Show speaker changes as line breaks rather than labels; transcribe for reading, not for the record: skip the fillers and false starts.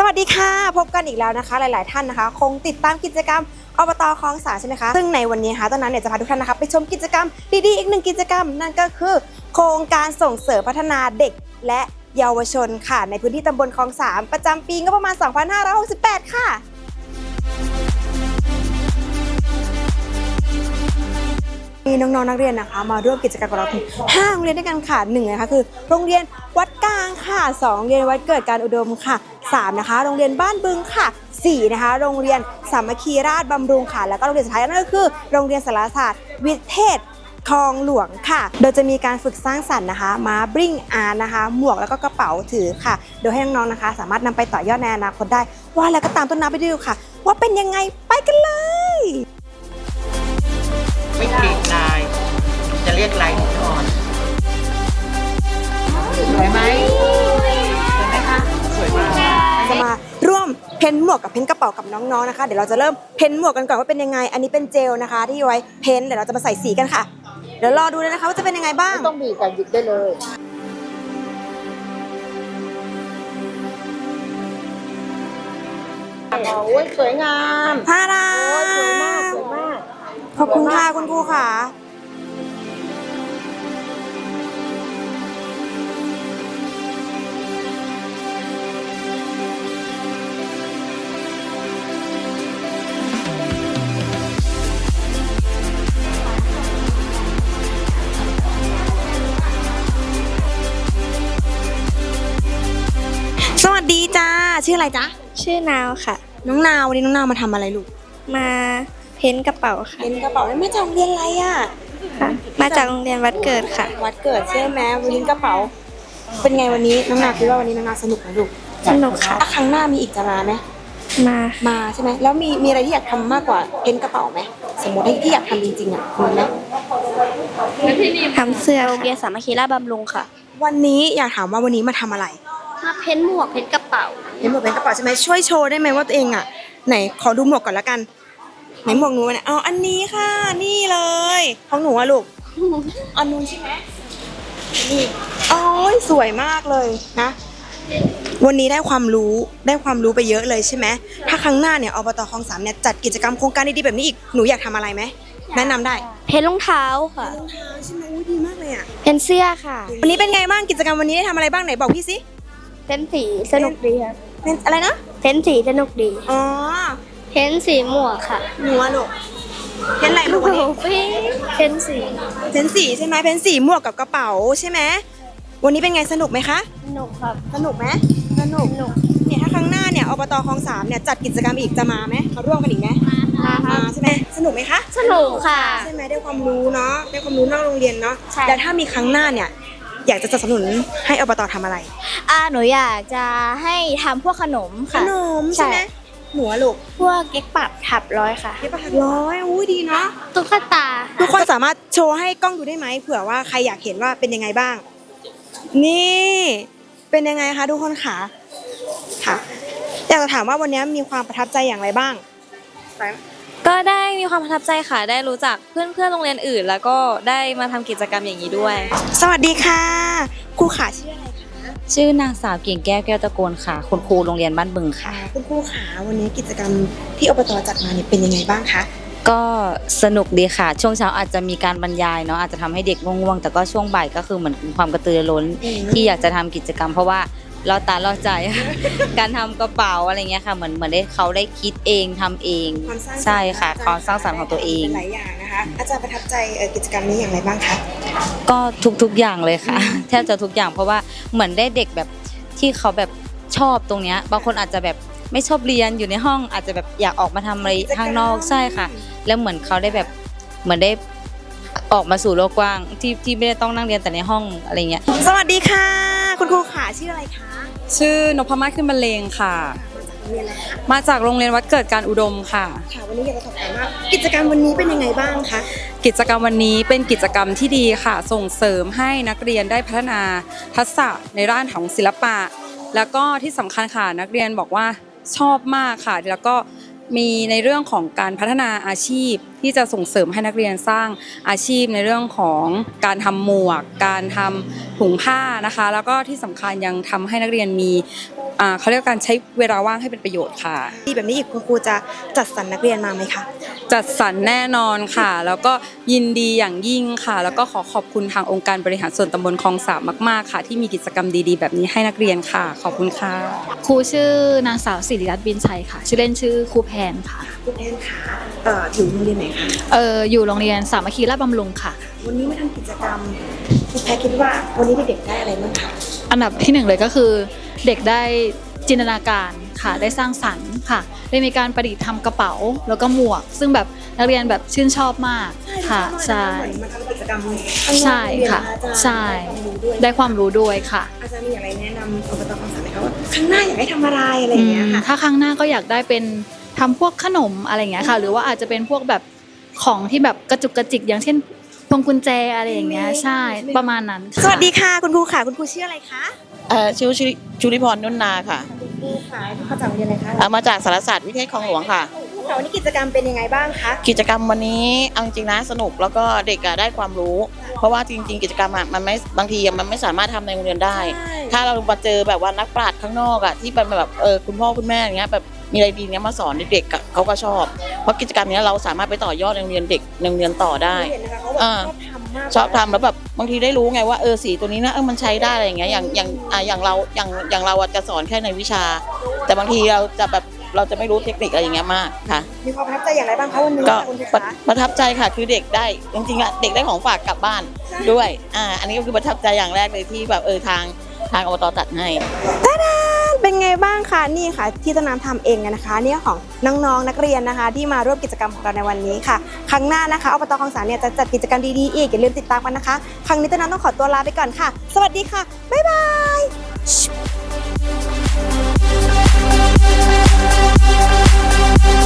วัสดีค่ะพบกันอีกแล้วนะคะหลายๆท่านนะคะคงติดตามกิจกรรมอบต.คลองสานใช่ไหมคะซึ่งในวันนี้ค่ะต้นน้ำเนี่ยจะพาทุกท่านนะคะไปชมกิจกรรมดีๆอีกหนึ่งกิจกรรมนั่นก็คือโครงการส่งเสริมพัฒนาเด็กและเยาวชนค่ะในพื้นที่ตำบลคลองสานประจำปีงบประมาณ 2568 ค่ะมีน้องๆนักเรียนนะคะมาร่วมกิจกรรมกับเราถึง5โรงเรียนด้วยกันค่ะ1นะคะคือโรงเรียนวัดกลางค่ะ2โรงเรียนวัดเกิดการอุดมค่ะ3นะคะโรงเรียนบ้านบึงค่ะ4นะคะโรงเรียนสามัคคีราชบำรุงค่ะแล้วก็โรงเรียนสุดท้ายนั่นก็คือโรงเรียนสารศาสตร์วิเทศคลองหลวงค่ะโดยจะมีการฝึกสร้างสรรค์นะคะมาบริ่งอาร์ตนะคะหมวกแล้วก็กระเป๋าถือค่ะโดยให้น้องๆนะคะสามารถนำไปต่อยอดในอนาคตได้ว่าแล้วก็ตามต้นน้ำไปดูค่ะว่าเป็นยังไงไปกันเลย
ไม่เปลี่ยนลายจะเรียกลายหินอ่อนสวยไหมสวยไหมคะสวยมาก
จะมาร่วมเพ้นหมวกกับเพ้นกระเป๋ากับน้องๆนะคะเดี๋ยวเราจะเริ่มเพ้นหมวกกันก่อนว่าเป็นยังไงอันนี้เป็นเจลนะคะที่ไว้เพ้นเดี๋ยวเราจะมาใส่สีกันค่ะเดี๋ยวรอดูเลยนะคะว่าจะเป็นยังไงบ้าง
ไม่ต้องบีบกันหยิบได้เลยโอ้ยสวยงาม
ฮารา
โอ้ยสวยมากสวยมาก
ขอบคุณค่ะคุณครูค่ะสวัสดีจ้าชื่ออะไรจ๊ะ
ชื่อนาวค่ะ
น้องนาววันนี้น้องนาวมาทำอะไรลูก
มาเพ้นกระเป๋าค่ะ
เพ้นกระเป๋ามาจากโรงเรียนอะไรอ่ะ
ค่ะมาจากโรงเรียนวัดเกิดค่ะ
วัดเกิดใช่ไหมวันนี้กระเป๋าเป็นไงวันนี้น้องนาวคิดว่าวันนี้น้องนาวสนุกไหมลูก
สนุกค่ะ
ถ้าครั้งหน้ามีอีกจะมาไหมมาใช่ไหมแล้วมีอะไรที่อยากทำมากกว่าเพ้นกระเป๋าไหมสมมติที่อยากทำจริงๆอ่ะมีไหม
ทำเสื้อโรงเรียนสามัคคีราชบำรุงค่ะ
วันนี้อยากถามว่าวันนี้มาทำอะไร
มาเพ้นหมวกเพ้นกระเป๋า
เพ้นหมวกเพ้นกระเป๋าใช่ไหมช่วยโชว์ได้ไหมว่าตัวเองอ่ะไหนขอดูหมวกก่อนละกันไหนหมวกหนูเนี่ยเอาอันนี้ค่ะนี่เลยของหนูอะลูกอันนู้นใช่ไหมนี่โอ้ยสวยมากเลยนะวันนี้ได้ความรู้ไปเยอะเลยใช่ไหมถ้าครั้งหน้าเนี่ยอบต.คลองสานเนี่ยจัดกิจกรรมโครงการดีๆแบบนี้อีกหนูอยากทำอะไรไหมแนะนำได้
เพ้นรองเท้าค่ะ
รองเท้าใช่ไหมอุ้ยดีมากเลยอ่ะ
เพ้นเสื้อค่ะ
วันนี้เป็นไงบ้างกิจกรรมวันนี้ได้ทำอะไรบ้างไหนบอกพี่สิ
เพ้นสีสนุกดีครับ
เพ้นอะไรนะ
เพ้นสีสนุกดี
อ๋อ
เพ้นสีหมวกค่ะ
หนูอะลูกเพ้นอะไรลูกวันนี้
เพ้นสี
ใช่ไหมเพ้นสีหมวกกับกระเป๋าใช่ไหมวันนี้เป็นไงสนุกไหมคะ
สนุกครับ
สนุกไหมสนุกเนี่ยถ้าครั้งหน้าเนี่ยอบต.คลองสานเนี่ยจัดกิจกรรมอีกจะมาไหมมาร่วมกันอีกไหมมาใช่ไหมสนุกไหมคะ
สนุกค่ะ
ใช่ไหมได้ความรู้เนาะได้ความรู้นอกโรงเรียนเนาะแต่ถ้ามีครั้งหน้าเนี่ยอยากจะสนับสนุนให้อบต.ทำอะไร
หนูอยากจะให้ทำพวกขนมค่ะ
ขนมใช่ไหมหนูลูก
พวกเก๊กปับถับร้อยค่ะ
เก๊กปับถับร้อยอุ้ยดีเนาะ
ตุ๊กตา
ทุกคนสามารถโชว์ให้กล้องดูได้ไหมเผื่อว่าใครอยากเห็นว่าเป็นยังไงบ้างนี่เป็นยังไงคะทุกคนค่ะอยากจะถามว่าวันนี้มีความประทับใจอย่างไรบ้าง
ก็ได้มีความประทับใจค่ะได้รู้จักเพื่อนโรงเรียนอื่นแล้วก็ได้มาทำกิจกรรมอย่างนี้ด้วย
สวัสดีค่ะครูขาชื่ออะไรคะ
ชื่อนางสาวกิ่งแก้วแก้วตะโกนค่ะคุณครูโรงเรียนบ้านบึงค่ะ
คุณครูขาวันนี้กิจกรรมที่อบต.จัดมาเนี่ยเป็นยังไงบ้างคะ
ก็สนุกดีค่ะช่วงเช้าอาจจะมีการบรรยายเนาะอาจจะทำให้เด็กง่วงๆแต่ก็ช่วงบ่ายก็คือเหมือนความกระตือรือร้นที่อยากจะทำกิจกรรมเพราะว่าเราตาเราใจ การทำกระเป๋าอะไรเงี้ยค่ะเหมือนได้เขาได้คิดเองทำเองใช่ค่ะความสร้างสรรค์ของตัวเอง
หลายอย่างนะคะอาจารย์ประทับใจกิจกรรมนี้อย่างไรบ้างคะ
ก็ทุกอย่างเลยค่ะแทบจะทุกอย่างเพราะว่าเหมือนได้เด็กแบบที่เขาแบบชอบตรงเนี้ยบางคนอาจจะแบบไม่ชอบเรียนอยู่ในห้องอาจจะแบบอยากออกมาทำอะไรข้างนอกใช่ค่ะแล้วเหมือนเขาได้แบบเหมือนได้ออกมาสู่โลกกว้างที่ไม่ได้ต้องนั่งเรียนแต่ในห้องอะไรเงี้ย
สวัสดีค่ะคุณครูขาชื่ออะไรคะ
ชื่อนพมาศขึ้นบรรเลงค่ะมาจากโรงเรียนวัดเกิดการอุดมค่ะ
วันนี้อยากจะสอบถามว่ากิจกรรมวันนี้เป็นยังไงบ้างคะ
กิจกรรมวันนี้เป็นกิจกรรมที่ดีค่ะส่งเสริมให้นักเรียนได้พัฒนาทักษะในด้านของศิลปะแล้วก็ที่สำคัญค่ะนักเรียนบอกว่าชอบมากค่ะแล้วก็มีในเรื่องของการพัฒนาอาชีพที่จะส่งเสริมให้นักเรียนสร้างอาชีพในเรื่องของการทำหมวกการทำถุงผ้านะคะแล้วก็ที่สำคัญยังทำให้นักเรียนมีเขาเรียกการใช้เวลาว่างให้เป็นประโยชน์ค่ะ
ดีแบบนี้อีกคุณครูจะจัดสรรนักเรียนมาไหมคะ
จัดสรรแน่นอนค่ะ แล้วก็ยินดีอย่างยิ่งค่ะ แล้วก็ขอบคุณทางองค์การบริหารส่วนตำบลคลองสามมากๆค่ะที่มีกิจกรรมดีๆแบบนี้ให้นักเรียนค่ะขอบคุณค่ะ
ครูชื่อนางสาวศิริรัตน์บินชัยค่ะ ชื่อเล่นชื่อครูแพนค่ะ
คุณแอนค่ะอยู่โรงเรียนไหนคะ
อยู่โรงเรียนสามัคคีราชบำรุงค่ะ วัน
วันนี้มาทำกิจกรรมคุณแพรคิดว่าวันนี้เด็กๆได้อะไรบ้างคะ
อันดับที่หนึ่งเลยก็คือเด็กได้จินตนาการค่ะได้สร้างสรรค์ค่ะได้มีการประดิษฐ์ทำกระเป๋าแล้วก็หมวก ซึ่งแบบนักเรียนแบบชื่นชอบมากค่ะใช่
เหมือนมาทำกิจกรรม
ใช่ค่ะใช่ได้ความรู้ด้วยค่ะ
อาจารย์มีอะไรแนะนำอบตคลองสามไหมคะว่าข้างหน้าอยากให้ทำอะไรอะไรอย่างเงี้ยค่ะ
ถ้าครั้งหน้าก็อยากได้เป็นทำพวกขนมอะไรอย่างเงี้ยค่ะ หรือว่าอาจจะเป็นพวกแบบของที่แบบกระจุกกระจิกอย่างเช่นพวงกุญแจอะไรอย่างเงี้ยใช่ประมาณนั้นค่ะ
สวัสดีค่ะคุณครูค่ะคุณครูชื่ออะไรคะ
ชื่อชุลิพรนุ่นนาค่ะ
คุณครูค่ะมาจากโรงเรียนอะไรคะ
มาจากสารศาสตร์วิเทศคลองหลวงค่ะ
คุณครูค่ะวันนี้กิจกรรมเป็นยังไงบ้างคะ
กิจกรรมวันนี้เอาจริงๆนะสนุกแล้วก็เด็กได้ความรู้ เพราะว่าจริงๆ กิจกรรมมันไม่บางทีมันไม่สามารถทำในโรงเรียนได้ ถ้าเรามาเจอแบบว่านักปราชญ์ข้างนอกที่เป็นแบบคุณพ่อคุณแม่อย่างเงี้ยแบบมีอะไรดีเนี้ยมาสอนเด็กๆเขาก็ชอบ เพราะกิจกรรมนี้เราสามารถไปต่อยอดในโรงเรียนเด็กในโรงเรียนต่อได้
เห็นนะคะเขาแบบชอบทำมาก
ชอบทำแล้วแบบบางทีได้รู้ไงว่าสีตัวนี้นะมันใช้ได้อะไรอย่างเงี้ยอย่างเราจะสอนแค่ในวิชา แต่บางทีเราจะไม่รู้เทคนิคอะไรอย่างเงี้ยมากค่ะ
มีความประทับใจอย่างไรบ้างคะวันนี้
ก็
คุณครู
ประ
คะ
ประทับใจค่ะคือเด็กได้จริงๆเด็กได้ของฝากกลับบ้านด้วยอันนี้ก็คือประทับใจอย่างแรกเลยที่แบบทางอบตจัดให้
เป็นไงบ้างคะนี่ค่ะที่ต้นน้ำทำเองนะคะเนี่ยของน้องๆนักเรียนนะคะ ที่มาร่วมกิจกรรมของเราในวันนี้ค่ะครั้งหน้านะคะอบตคลองสามเนี่ยจะจัดกิจกรรมดีๆอีกอย่าลืมติดตามกันนะคะครั้งนี้ต้นน้ำต้องขอตัวลาไปก่อนค่ะ สวัสดีค่ะบ๊ายบาย